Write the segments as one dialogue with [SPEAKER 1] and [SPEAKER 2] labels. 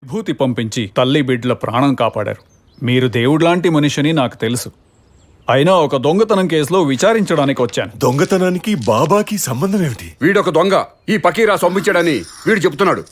[SPEAKER 1] విభూతి పంపించి తల్లి బిడ్డల ప్రాణం కాపాడారు. మీరు దేవుళ్లాంటి మనిషిని నాకు తెలుసు. అయినా ఒక దొంగతనం కేసులో విచారించడానికి వచ్చాను.
[SPEAKER 2] దొంగతనానికి బాబాకి సంబంధం ఏమిటి?
[SPEAKER 3] వీడొక దొంగ, ఈ పకీరా సొమ్మిచ్చాడని వీడు చెప్తున్నాడు.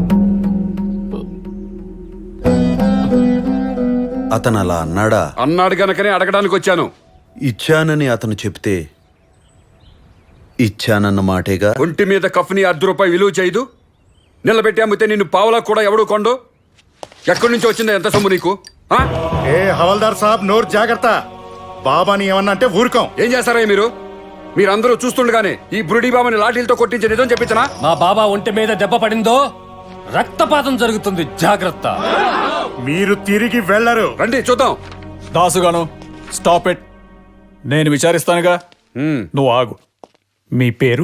[SPEAKER 4] అతను అలా అన్నాడా?
[SPEAKER 3] అన్నాడు గనకనే అడగడానికి వచ్చాను.
[SPEAKER 4] ఇచ్చానని అతను చెప్తే ఇచ్చానన్న మాటేగా.
[SPEAKER 3] ఒంటి మీద కఫ్ని ₹1 విలువ చేయదు. నిలబెట్టి అమ్మితే నిన్ను పావులా కూడా ఎవడు కొండు. ఎక్కడి నుంచి వచ్చిందా ఎంత సొమ్ము నీకు?
[SPEAKER 5] ఏ హవల్దార్ సాబ్, నోరు జాగ్రత్త. బాబాని ఏమన్నా అంటే ఊరుకోం.
[SPEAKER 3] ఏం చేస్తారా మీరందరూ చూస్తుండగానే ఈ బురుడి బాబాని లాఠీలతో కొట్టించి నిజం చెప్పించనా?
[SPEAKER 6] మా బాబా ఒంటి మీద దెబ్బ పడిందో రక్తపాతం జరుగుతుంది, జాగ్రత్త.
[SPEAKER 5] మీరు తిరిగి వెళ్ళరు.
[SPEAKER 3] రండి చూద్దాం.
[SPEAKER 1] దాసుగాను, స్టాప్ ఇట్. నేను విచారిస్తానుగా, నువ్వు ఆగు. మీ పేరు?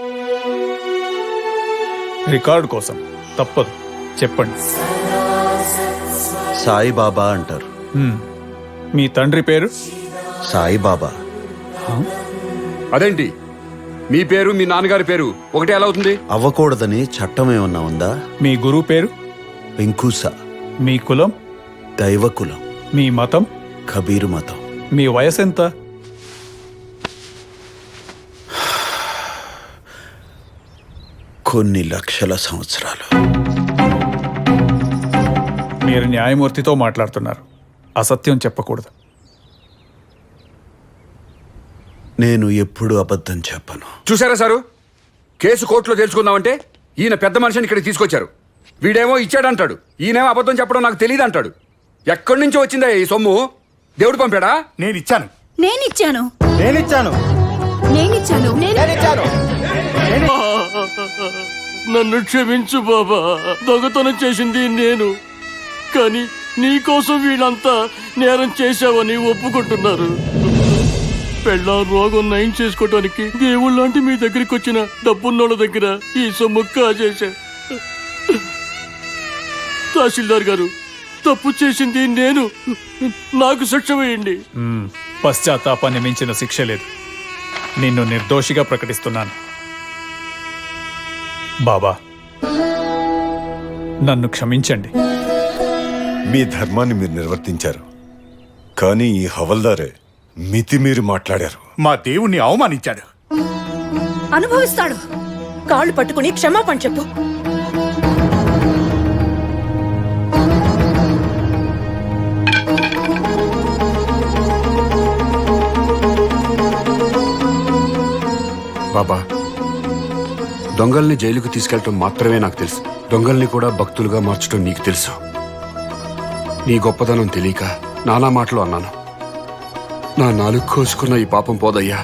[SPEAKER 1] రికార్డు కోసం తప్పదు, చెప్పండి.
[SPEAKER 4] సాయిబాబా అంటారు.
[SPEAKER 1] మీ తండ్రి పేరు?
[SPEAKER 4] సాయిబాబా.
[SPEAKER 3] అదేంటి మీ పేరు మీ నాన్నగారి పేరు ఒకటే ఎలా అవుతుంది?
[SPEAKER 4] అవ్వకూడదని చట్టం ఏమన్నా ఉందా?
[SPEAKER 1] మీ గురువు పేరు?
[SPEAKER 4] వెంకూస.
[SPEAKER 1] మీ కులం?
[SPEAKER 4] దైవకులం.
[SPEAKER 1] మీ మతం?
[SPEAKER 4] కబీరు మతం.
[SPEAKER 1] మీ వయసు ఎంత?
[SPEAKER 4] కొన్ని లక్షల సంవత్సరాలు.
[SPEAKER 1] మీరు న్యాయమూర్తితో మాట్లాడుతున్నారు. అసత్యం చెప్పకూడదు.
[SPEAKER 4] నేను ఎప్పుడు అబద్ధం చెప్పను.
[SPEAKER 3] చూసారా సారు, కేసు కోర్టులో తెలుసుకుందామంటే ఈయన పెద్ద మనిషిని ఇక్కడికి తీసుకొచ్చారు. వీడేమో ఇచ్చాడంటాడు, ఈయనేమో అబద్ధం చెప్పడం నాకు తెలియదు అంటాడు. ఎక్కడి నుంచి వచ్చిందా ఈ సొమ్ము? దేవుడు పంపాడా?
[SPEAKER 5] నేనిచ్చాను.
[SPEAKER 7] నేనిచ్చాను.
[SPEAKER 5] నేనిచ్చాను.
[SPEAKER 7] నేనిచ్చాను.
[SPEAKER 5] నేనిచ్చాను.
[SPEAKER 6] నన్ను క్షమించు బాబా, దొంగతనం చేసింది నేను. కానీ నీకోసం వీళ్ళంతా నేరం చేశావని ఒప్పుకుంటున్నారు. పెళ్ళ రోగం నయం చేసుకోవటానికి దేవుళ్ళంటి మీ దగ్గరికి వచ్చిన డబ్బున్నోళ్ళ దగ్గర ఈ సొమ్ము కాజేశా. తహసీల్దార్ గారు, తప్పు చేసింది నేను, నాకు శిక్ష వేయండి.
[SPEAKER 1] పశ్చాత్తాపాన్ని మించిన శిక్ష లేదు. నిన్ను నిర్దోషిగా ప్రకటిస్తున్నాను. బాబా, నన్ను క్షమించండి.
[SPEAKER 2] మీ ధర్మాన్ని మీరు నిర్వర్తించారు, కానీ ఈ హవల్దారే మితిమీరి మాట్లాడారు.
[SPEAKER 5] మా దేవుణ్ణి అవమానించాడు.
[SPEAKER 7] అనుభవిస్తాడు. కాళ్ళు పట్టుకుని క్షమాపణ చెప్పు.
[SPEAKER 3] బాబా, దొంగల్ని జైలుకు తీసుకెళ్ళటం మాత్రమే నాకు తెలుసు. దొంగల్ని కూడా భక్తులుగా మార్చడం నీకు తెలుసు. నీ గొప్పదనం తెలియక నానా మాటలు అన్నాను. నా నాలుగు కోసుకున్న ఈ పాపం పోదయ్యా.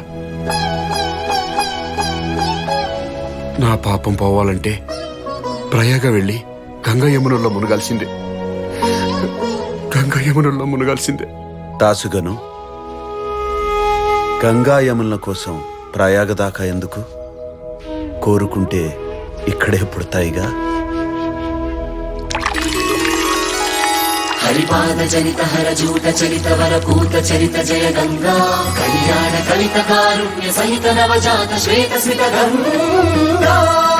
[SPEAKER 3] నా పాపం పోవాలంటే ప్రయాగ వెళ్ళి గంగా యమునల్లో మునగాల్సిందే. గంగా యమునల్లో మునగాల్సిందే.
[SPEAKER 4] దాసుగను, గంగా యముల కోసం ప్రయాగ దాకా ఎందుకు? కోరుకుంటే ఇక్కడే పుడతాయిగా.
[SPEAKER 8] హరిపాద జనిత హర జూట చరిత వర కూత చరిత జయ గంగా కళ్యాణ కలిత కారుణ్య సహిత నవజాత శ్వేత స్మిత గంగా.